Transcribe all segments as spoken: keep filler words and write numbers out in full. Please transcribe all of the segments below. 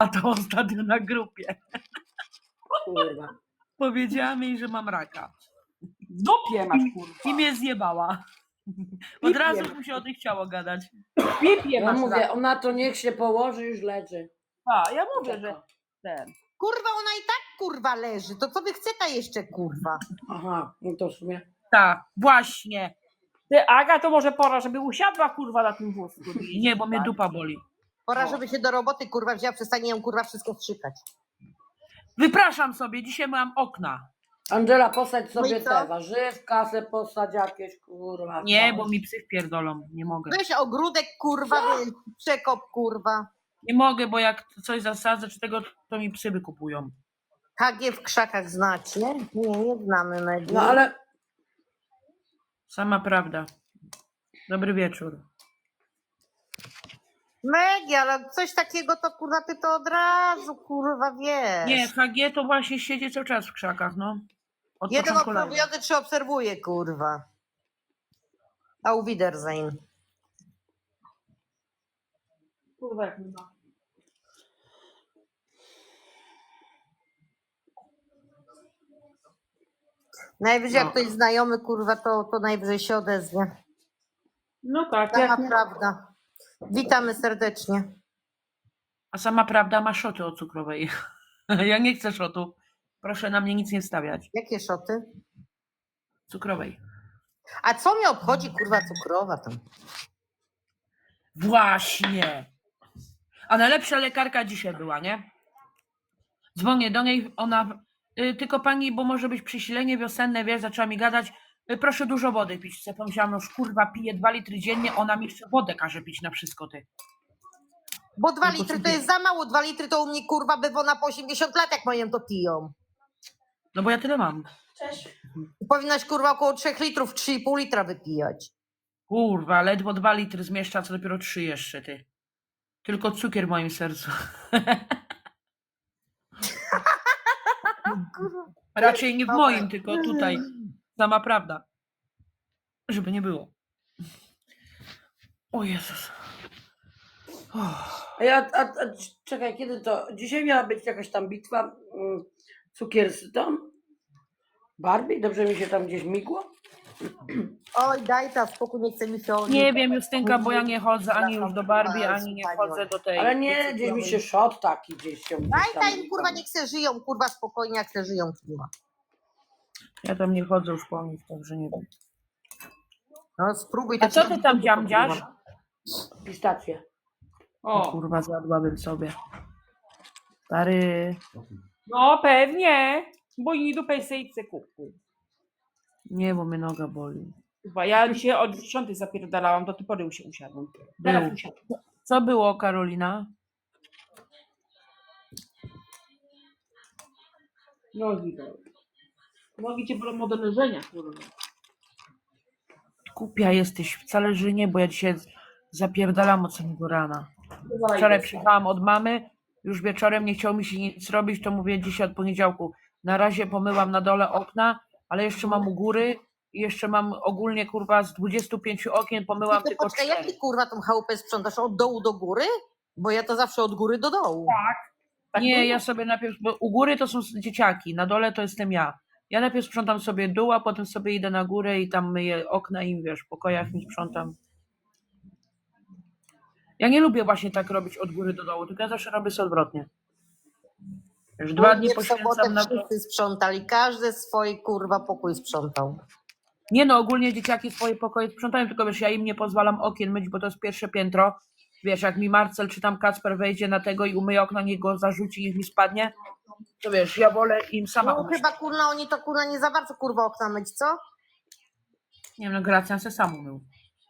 to ostatnio na grupie. Kurwa. Powiedziałam jej, że mam raka. W dupie masz, kurwa. I mnie zjebała. Od razu mu się o tym chciało gadać. W pipie Ja masz. mówię, raka. ona to niech się położy, już leży. A, ja mówię, że ten. Kurwa, ona i tak kurwa leży. To co wy chce ta jeszcze kurwa? Aha, no to w sumie. Tak, właśnie. Ty, Aga, to może pora, żeby usiadła, kurwa, na tym wózku. Nie, bo mnie dupa boli. Pora, No. żeby się do roboty kurwa wzięła, przestanie ją kurwa wszystko wstrzykać. Wypraszam sobie, dzisiaj mam okna. Angela, posadź No i sobie co? te warzywka, se posadź jakieś, kurwa. Nie, bo mi psy wpierdolą. Nie mogę. Weź ogródek kurwa, wy- przekop kurwa. Nie mogę, bo jak coś zasadzę czy tego, to mi psy wykupują. K G w krzakach znacie? Nie, nie znamy mediów. No ale Sama prawda. Dobry wieczór. Megi, ale coś takiego to kurwa ty to od razu kurwa wiesz. Nie, H G to właśnie siedzi cały czas w krzakach, no. Od Jeden początku lata. obserwujący czy obserwuje kurwa. Au Wiedersehen. Kurwa, jak nie ma. Najwyżej No. jak ktoś znajomy kurwa, to, to najwyżej się odezwie. No tak, Sama jak nie... prawda. Witamy serdecznie. A sama prawda ma szoty o cukrowej. Ja nie chcę szotu. Proszę na mnie nic nie stawiać. Jakie szoty? Cukrowej. A co mnie obchodzi kurwa cukrowa tam? Właśnie. A najlepsza lekarka dzisiaj była, nie? Dzwonię do niej, ona... Y, tylko pani, bo może być przesilenie wiosenne, wiesz, zaczęła mi gadać. Y, proszę dużo wody pić. Ja pomyślałam, no kurwa, piję dwa litry dziennie, ona mi jeszcze wodę każe pić na wszystko, ty. Bo dwa Tylko litry to sobie- jest za mało. Dwa litry to u mnie kurwa bywona po osiemdziesiąt lat, jak moją to piją. No bo ja tyle mam. Powinnaś kurwa około trzech litrów, trzy i pół litra wypijać. Kurwa, ledwo dwa litry zmieszcza, co dopiero trzy jeszcze, ty. Tylko cukier w moim sercu. Raczej nie w moim, tylko tutaj. Sama prawda. Żeby nie było. O Jezus. Oh. A ja, a, a, czekaj, kiedy to? Dzisiaj miała być jakaś tam bitwa mm, cukier z tą Barbie? Dobrze mi się tam gdzieś migło? Oj, daj ta spokój, nie chce mi się... Nie wiem, Justynka, bo ja nie chodzę ani już do Barbie, ani nie chodzę do tej. Ale nie, gdzieś mi się szot taki gdzieś się... Daj gdzieś ta tam- im kurwa, niech se żyją, kurwa spokojnie, jak se żyją kurwa. Ja tam nie chodzę już po nich, także nie wiem. No spróbuj. A co ty tam dziamdziasz? Pistacje. O O, kurwa, zjadłabym sobie. Stary. no pewnie. Bo i dupę sejce kupu. Nie, bo mnie noga boli. Chyba ja dzisiaj od dziesiątej zapierdalałam, do tej pory już się usiadłam. Teraz Był. usiadłam. Co było, Karolina? Nogi bolą. Nogi cię bolą od leżenia, kurwa. Głupia jesteś, wcale że nie, bo ja dzisiaj zapierdalam od samego rana. Wczoraj przyjechałam od mamy, już wieczorem nie chciało mi się nic robić, to mówię dzisiaj od poniedziałku. Na razie pomyłam na dole okna, ale jeszcze mam u góry i jeszcze mam ogólnie kurwa z dwudziestu pięciu okien pomyłam Ty tylko poczekaj, jak cztery. ty kurwa tą chałupę sprzątasz? Od dołu do góry? Bo ja to zawsze od góry do dołu. Tak Nie, było? ja sobie najpierw, bo u góry to są dzieciaki, na dole to jestem ja. Ja najpierw sprzątam sobie dół, a potem sobie idę na górę i tam myję okna i wiesz, w pokojach mi sprzątam. Ja nie lubię właśnie tak robić od góry do dołu, tylko ja zawsze robię sobie odwrotnie. Już dwa dni W sobotę poświęcam na to. wszyscy sprzątali, każdy swój kurwa pokój sprzątał. Nie no, ogólnie dzieciaki swoje pokoje sprzątają, tylko wiesz, ja im nie pozwalam okien myć, bo to jest pierwsze piętro. Wiesz, jak mi Marcel czy tam Kacper wejdzie na tego i umyje okno, niech go zarzuci, niech mi spadnie, to wiesz, ja wolę im sama No umyć. chyba kurna, oni to kurna nie za bardzo kurwa okna myć, co? Nie wiem, no Gracjan se sam umył.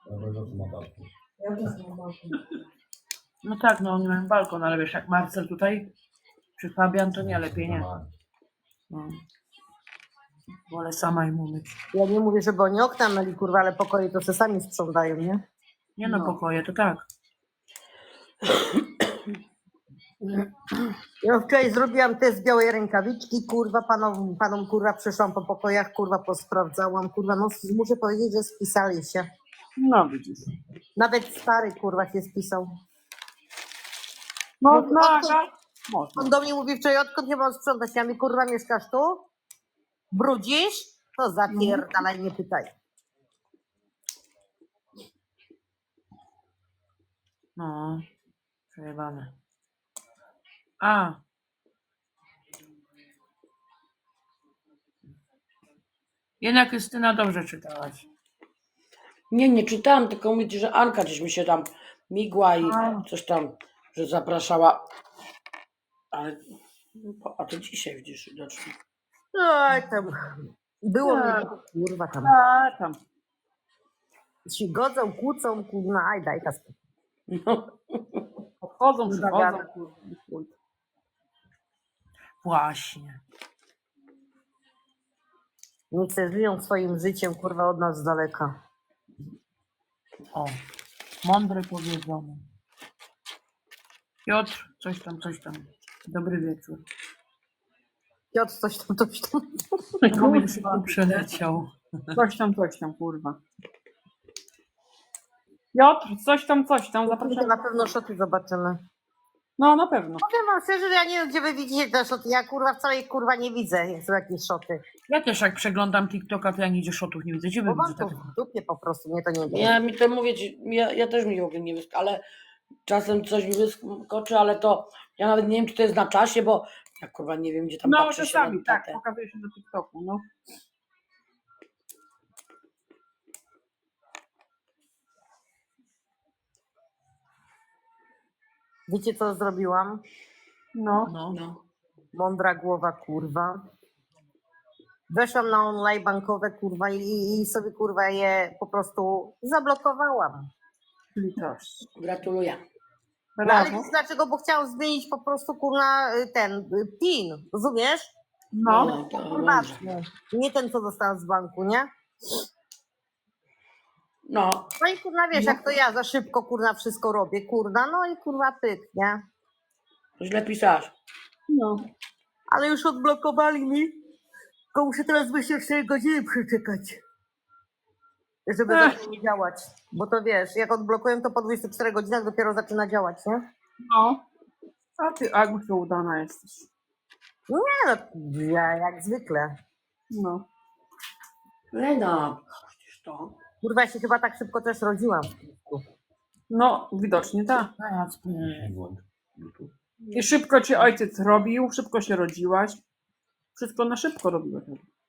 No tak, no oni mają balkon, ale wiesz, jak Marcel tutaj, czy Fabian, to nie, lepiej nie. No. Wolę sama im umyć. Ja nie mówię, żeby oni okna myli kurwa, ale pokoje to se sami sprzątają, nie? Nie no, No. pokoje, to tak. Ja wczoraj zrobiłam test białej rękawiczki, kurwa, panom, panom kurwa przyszłam po pokojach, kurwa posprawdzałam, kurwa, no muszę powiedzieć, że spisali się. No widzisz. Nawet stary kurwa się spisał. No, No, no, odkąd- Aga, Można. On do mnie mówi wczoraj, odkąd nie mam sprzątać, ja mi kurwa mieszkasz tu? Brudzisz? To zapierdalaj, nie pytaj. No, przejebane. A. Jednak Krystyna dobrze czytałaś. Nie, nie czytałam, tylko mówicie, że Anka gdzieś mi się tam migła i A. coś tam, że zapraszała. Ale, a to dzisiaj widzisz widocznie. Oj, tam było mnie, Tak. kurwa tam. A, tam. Się godzą, kłócą, kurwa, aj daj ta spokój. No. Podchodzą, Kurwa, przychodzą. gada. kurwa, i chuj. Właśnie. Niech se żyją swoim życiem, kurwa, od nas z daleka. O. Mądre powiedzone. Piotr, coś tam, coś tam. Dobry wieczór. Piotr, coś tam, coś tam. Komin szybko przeleciał. Coś tam, coś tam, kurwa. Piotr, coś tam, coś tam, To zapraszam. na pewno szoty zobaczymy. No, na pewno. Powiem wam szczerze, że ja nie wiem, gdzie wy widzicie te szoty. Ja kurwa wcale ich kurwa nie widzę, jak są jakieś szoty. Ja też jak przeglądam TikToka, to ja nigdzie szotów nie widzę. Gdzie wy Bo mam widzicie to takie? w dupie po prostu, mnie to nie interesuje. Ja mi to mówię ci, ja, ja też mi w ogóle nie wyskoczy, ale czasem coś mi wyskoczy, ale to ja nawet nie wiem, czy to jest na czasie, bo ja kurwa nie wiem, gdzie tam No, patrzę się na czasami, tak, tatę. pokazuje się do TikToku, no. Wiecie co zrobiłam? No, No. No. Mądra głowa, kurwa. Weszłam na online bankowe, kurwa, i, i sobie, kurwa, je po prostu zablokowałam. litość. Gratuluję. No, ale Brawo. wiesz dlaczego? Bo chciałam zmienić po prostu, kurwa, y, ten y, PIN, rozumiesz? No, No, to dobrze. Prywatny. Nie ten, co dostałam z banku, nie? No, No i kurwa, wiesz, No. jak to ja za szybko, kurwa, wszystko robię, kurwa, no i kurwa, pyk, nie? źle pisałaś. no. Ale już odblokowali mi, tylko muszę teraz myślę cztery godziny przeczekać, żeby Ech. zaczęło działać. Bo to wiesz, jak odblokuję, to po dwudziestu czterech godzinach dopiero zaczyna działać, nie? No. A ty, Agusza, udana jesteś. Nie no, ja jak zwykle. No. Lena, przecież to. Kurwa, ja się chyba tak szybko też rodziłam. No, widocznie tak. Jasne. I szybko cię ojciec robił, szybko się rodziłaś. Wszystko na szybko robiłeś.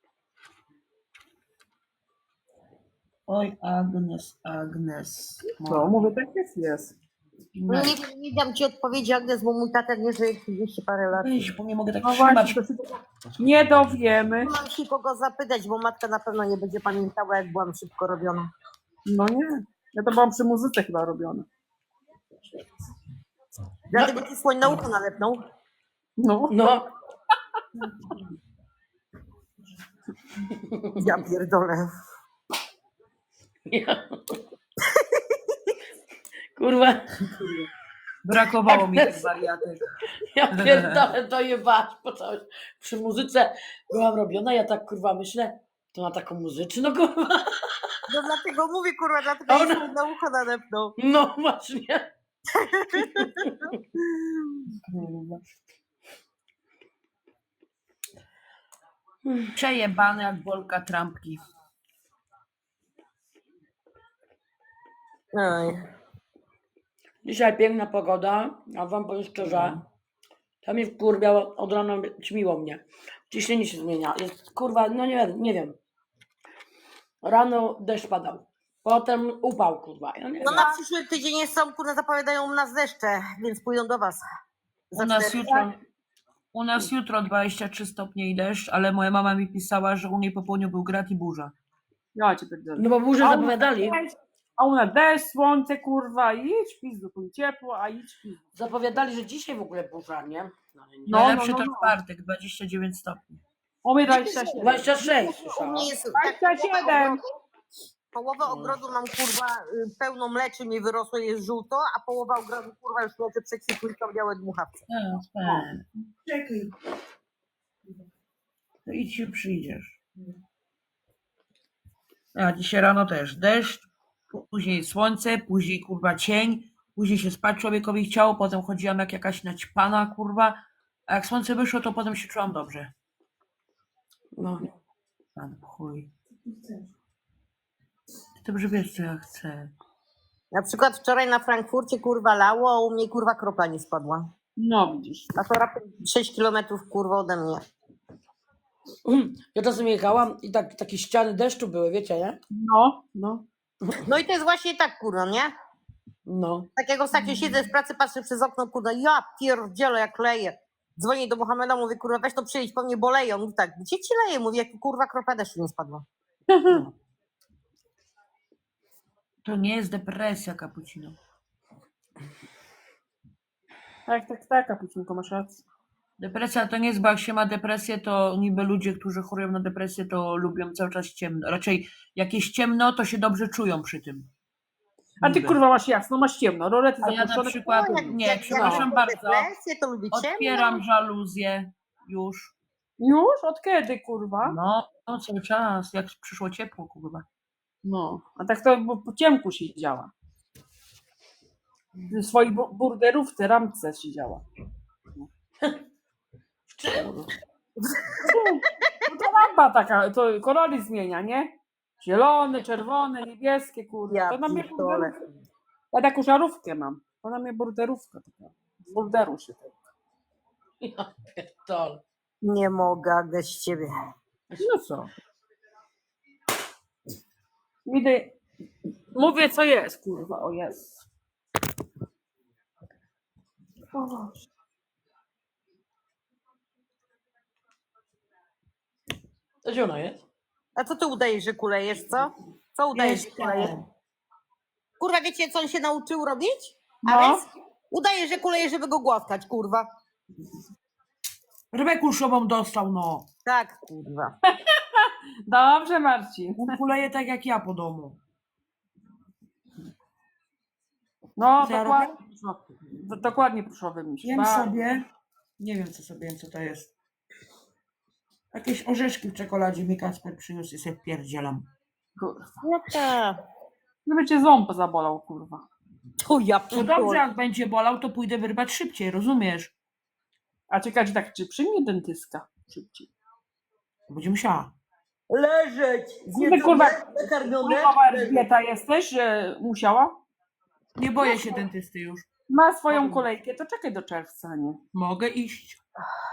Oj, Agnes, Agnes. No, mówię, tak jest, jest. No nie, nie dam ci odpowiedzi, Agnes, bo mój tata nie żyje trzydzieści parę lat. Weź, bo nie mogę tak No trzymać. właśnie, to się nie dowiemy. Nie mam się kogo zapytać, bo matka na pewno nie będzie pamiętała, jak byłam szybko robiona. No nie. Ja to byłam przy muzyce chyba robiona. Dlatego ci słoń na ucho nalepnął. No. No, Ja pierdolę. ja. Kurwa, Brakowało mi tych wariatek. ja pierdolę, to jebałaś po całej. Przy muzyce byłam robiona, ja tak kurwa myślę, to ma taką muzyczną kurwa. No dlatego mówię, kurwa, dlatego Ona- ci słoń na ucho nalepnął. No właśnie. Przejebane jak bolka trampki. Oj. Dzisiaj piękna pogoda, a wam powiem szczerze, to mnie wkurwiało, od rana ćmiło mnie. Ciśnienie się zmienia. Jest kurwa, no nie wiem, nie wiem. Rano deszcz padał. Potem upał, kurwa. Ja nie No wiem. na przyszły tydzień jest są, kurwa, zapowiadają nas deszcze, więc pójdą do was. Za U nas cztery- jutro, u nas jutro dwadzieścia trzy stopnie i deszcz, ale moja mama mi pisała, że u niej po południu był grad i burza. Ja cię pierdzielę. No bo burzę A u- zapowiadali. A u nas deszcz, słońce, kurwa, idź pizdu, tu ciepło, a idź pizdu. Zapowiadali, że dzisiaj w ogóle burza, nie? No, ale nie. No, Najlepszy no, to no. czwartek, dwadzieścia dziewięć stopni. O mnie dwadzieścia siedem. dwadzieścia sześć U słyszałam. mnie jest dwadzieścia tak, połowę siedem. ogrodu, połowę ogrodu mam, kurwa, y, pełno mleczy mi wyrosło, jest żółto, a połowa ogrodu, kurwa, już mleczy przekwitły i są białe dmuchawce. Tak, tak. Czekaj. To idź się przyjdziesz. A dzisiaj rano też deszcz, później słońce, później kurwa cień, później się spać człowiekowi chciało, potem chodziłam jak jakaś naćpana kurwa, A jak słońce wyszło, to potem się czułam dobrze. No. Pan chuj. Ty dobrze wiesz, co ja chcę. Na przykład wczoraj na Frankfurcie kurwa lało, a u mnie kurwa kropla nie spadła. No widzisz. A to raptem sześć kilometrów kurwa ode mnie. Mm. Ja czasem jechałam i tak, takie ściany deszczu były, wiecie, nie? No, no. No i to jest właśnie tak kurwa, nie? No. Tak jak ostatnio siedzę w pracy, patrzę przez okno, kurwa, ja pierdzielę jak leje. Dzwonię do Mohameda, mówię, kurwa, weź to przyjedź, po mnie boleje. On mówi tak, gdzie ci leje? Mówię, jak kurwa kropla deszczu nie spadła. To nie jest depresja, Kapucino. Tak, tak, tak, Kapucinko, masz rację. Depresja to nie jest, bo jak się ma depresję, to niby ludzie, którzy chorują na depresję, to lubią cały czas ciemno. Raczej jak jest ciemno, to się dobrze czują przy tym. A ty Niby. kurwa masz jasno, masz ciemno, rolety A ja na zapuszczone. przykład, No, jak- nie, jak- przepraszam jak bardzo, depresję, to lubi ciemno. otwieram żaluzję już. Już? Od kiedy, kurwa? No, no cały czas, jak przyszło ciepło, kurwa. No, a tak to bo po ciemku siedziała. W swojej bu- burderówce, ramce siedziała. W czym? No to lampa taka, to kolory zmienia, nie? Zielone, czerwone, niebieskie, kurwa. Ja To na mnie pierdolę. burderówka. Ja taką żarówkę mam. To na mnie burderówka taka. Z burderu się tak. Ja pierdolę. Nie mogę, Agnes, z ciebie. No co? Idę. Mówię co jest, kurwa, o jest. O Boże. To gdzie ona jest? A co ty udajesz, że kulejesz, co? Co udajesz, że kulejesz? Kurwa, wiecie, co on się nauczył robić? No. Ares? Udaje, że kuleje, żeby go głaskać, kurwa. Rybę kulszową dostał, no. Tak, kurwa. Dobrze, Marcin. On kuleje tak jak ja po domu. No, Co ja dokładnie. Do- Dokładnie proszowy mi się. Jem Bardzo. sobie, nie wiem co sobie jem, co to jest. Jakieś orzeszki w czekoladzie mi Kacper przyniósł i sobie wpierdzielam. Kurwa. No tak. Gdyby cię ząb zabolał, kurwa. Tu ja No dobrze, pierdolę. jak będzie bolał, to pójdę wyrwać szybciej, rozumiesz? A ciekawe, tak, czy przyjmie dentystka szybciej? Będzie musiała. Leżeć. Ty, kurwa, nakarmione. Kurwa, Elżbieta jesteś, że musiała? Nie boję się dentysty już. Ma swoją kolejkę, to czekaj do czerwca, nie? Mogę iść.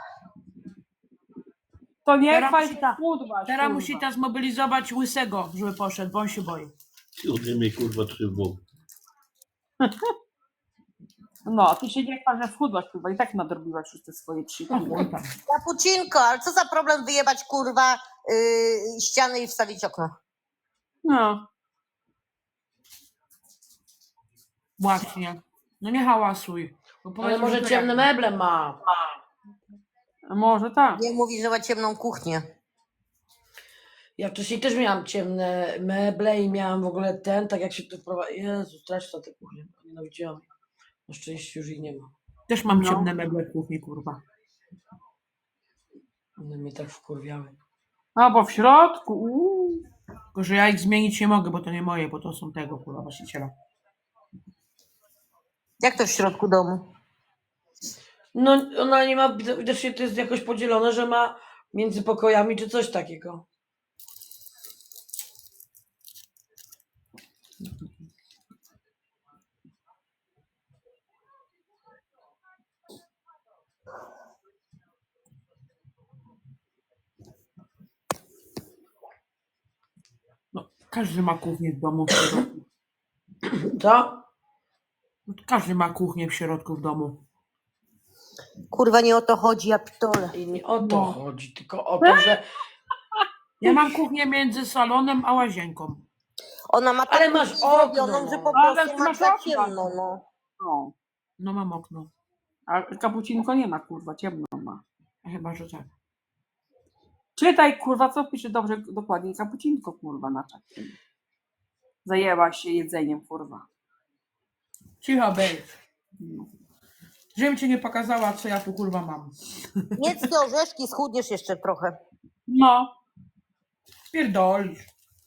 To nie Teraz chwal musi się ta- chudłaś, Teraz kurwa. musi ta zmobilizować łysego, żeby poszedł, bo on się boi. Ode mnie kurwa trzymał. No, ty się nie chwal, że schudłaś, kurwa, i tak nadrobiłaś już te swoje trzy kilo. Oj tam. Kapucinko, ale co za problem wyjebać, kurwa, yy, ściany i wstawić okno? No, Właśnie. No nie hałasuj. Bo Ale powiedzą, może że to ciemne jak- meble ma. a może tak. Nie mówi, że ma ciemną kuchnię. Ja wcześniej też miałam ciemne meble i miałam w ogóle ten, tak jak się tu wprowadza. Jezu, straszna ta kuchnia. Nienawidziłam. Na szczęście już ich nie ma. Też mam No. ciemne meble w kuchni, kurwa. One mnie tak wkurwiały. A, bo w środku, uuu. Tylko, że ja ich zmienić nie mogę, bo to nie moje, bo to są tego, kurwa, właściciela. Jak to w środku domu? No ona nie ma, widocznie to jest jakoś podzielone, że ma między pokojami czy coś takiego. No, każdy ma kuchnię w domu w środku. Co? No, każdy ma kuchnię w środku w domu. Kurwa, nie o to chodzi, ja pitole. I nie o to No. chodzi, tylko o to, że. Ja mam kuchnię między salonem a łazienką. Ona ma tak Ale masz okno, zrobioną, że no. po Ale prostu ty ma masz za okno. ciemno, no. No. No mam okno. A kapucinko nie ma, kurwa, ciemno ma. Chyba, że tak. Czytaj, kurwa, co pisze dobrze, dokładnie, kapucinko, kurwa, na czacie. Zajęłaś się jedzeniem, kurwa. Cicho być. No. Żebym ci nie pokazała, co ja tu kurwa mam. Jedz te orzeszki, schudniesz jeszcze trochę. No, Pierdolisz.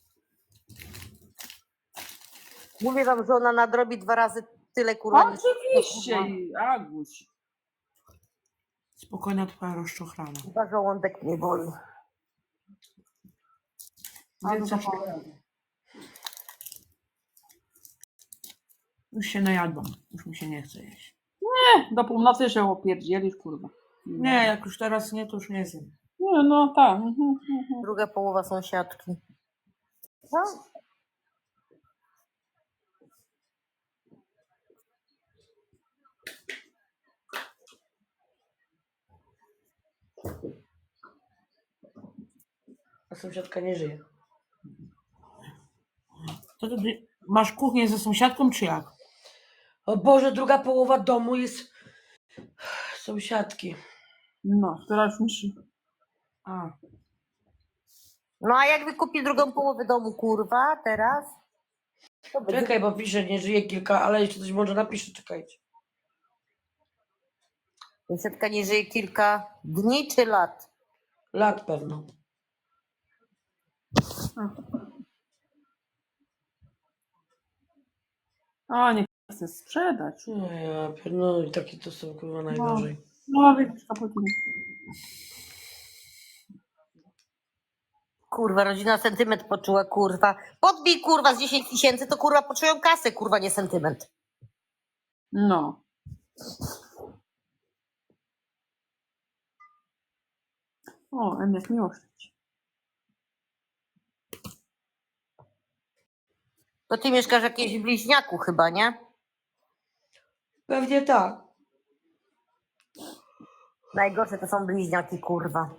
Mówię wam, że ona nadrobi dwa razy tyle, kurwa. niż- oczywiście, Aguś. Spokojna twoja rozczochrana. Chyba żołądek mnie boli. Więc już, już się najadłam. Już mi się nie chce jeść. Do północy się opierdzielisz, kurwa. Nie, jak już teraz nie, to już nie zjem. Nie, no tak. Mhm, mhm. Druga połowa sąsiadki. No. A sąsiadka nie żyje. To ty masz kuchnię ze sąsiadką, czy jak? O Boże, druga połowa domu jest sąsiadki. No, teraz niż... A, No a jak wykupi drugą połowę domu, kurwa, teraz? To będzie... Czekaj, bo pisze, nie żyje kilka, ale jeszcze coś może napisze, czekajcie. Sąsiadka nie żyje kilka dni czy lat? Lat pewno. A, nie chcę sprzedać. No ja pier- no i takie to są kurwa najgorzej. No, widzisz, kapuciny. Kurwa, rodzina sentyment poczuła, kurwa. Podbij, kurwa, z dziesięć tysięcy, to kurwa poczują kasę, kurwa, nie sentyment. No. O, M jest miłość. To ty mieszkasz w jakimś bliźniaku chyba, nie? Pewnie tak. Najgorsze to są bliźniaki, kurwa.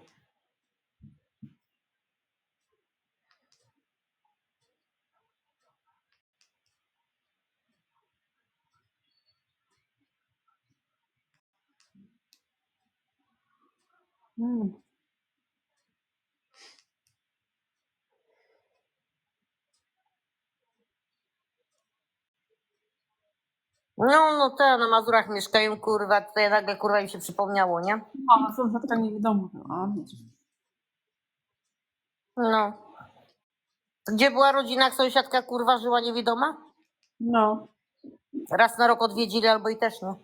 Mm. No, no te na Mazurach mieszkają, kurwa, tutaj nagle, kurwa, im się przypomniało, nie? No, sąsiadka niewidoma. A, widzisz. No. Gdzie była rodzina, jak sąsiadka, kurwa, żyła niewidoma? No. Raz na rok odwiedzili albo i też nie.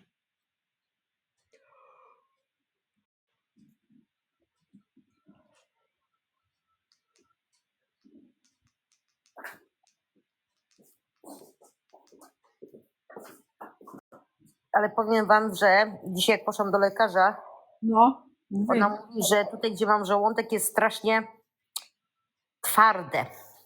Ale powiem wam, że dzisiaj jak poszłam do lekarza, No. ona mówi, że tutaj, gdzie mam żołądek, jest strasznie twarde.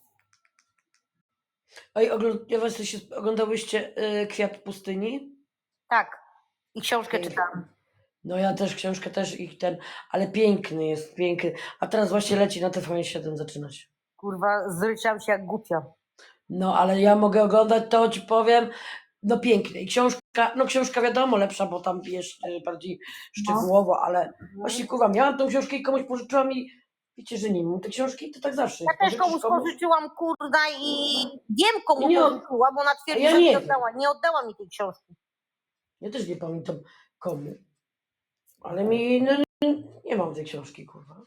Ej, ogląd- ja was się oglądałyście y, Kwiat pustyni? Tak. I książkę Pięknie. czytałam. No ja też, książkę też ich ten, ale piękny jest, piękny. A teraz właśnie leci na T V N siedem, zaczyna się. Kurwa, zryczałam się jak głupia. No ale ja mogę oglądać to, ci powiem, no piękny. I książka, no książka wiadomo lepsza, bo tam wiesz y, bardziej szczegółowo, ale właśnie kurwa, miałam tą książkę i komuś pożyczyłam i wiecie, że nie mam tej książki, to tak zawsze Ja jest. też komuś Pożyczysz komuś? pożyczyłam, kurwa, i wiem komu Nie od- pożyczyłam, bo ona twierdzi, ja że nie nie wiem. oddała. Nie oddała mi tej książki. Ja też nie pamiętam komu. Ale mi no, nie mam tej książki, kurwa.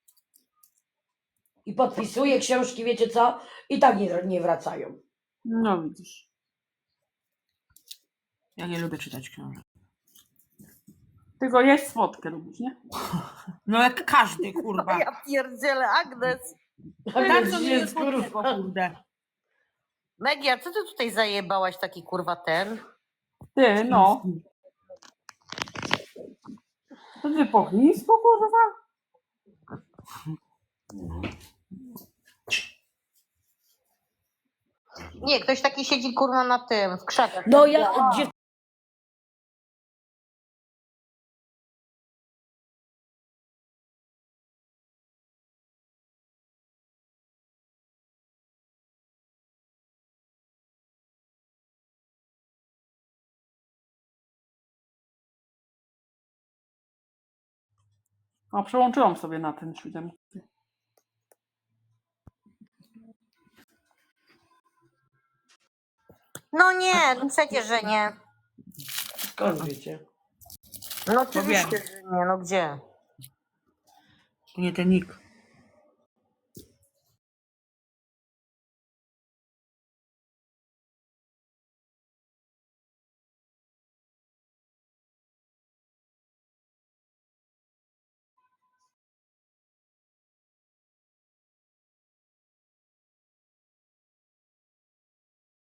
I podpisuję książki, wiecie co? I tak nie, nie wracają. No, widzisz. ja nie lubię czytać książek. Tylko jeść słodkie lubisz, nie? No jak każdy, kurwa. Ja pierdzielę, Agnes. A Tak więc to nie jest, jest słodkiego, kurwa. kurde. Megia, co ty tutaj zajebałaś taki, kurwa, ten? Ty, no. To ty po chińsku, kurwa? Nie, ktoś taki siedzi, kurwa, na tym, w krzakach. No ja, gdzie O, przełączyłam sobie na ten siódemkę. No nie, no przecież, że nie. skąd wiecie? No oczywiście, że nie, no gdzie? To nie ten nick.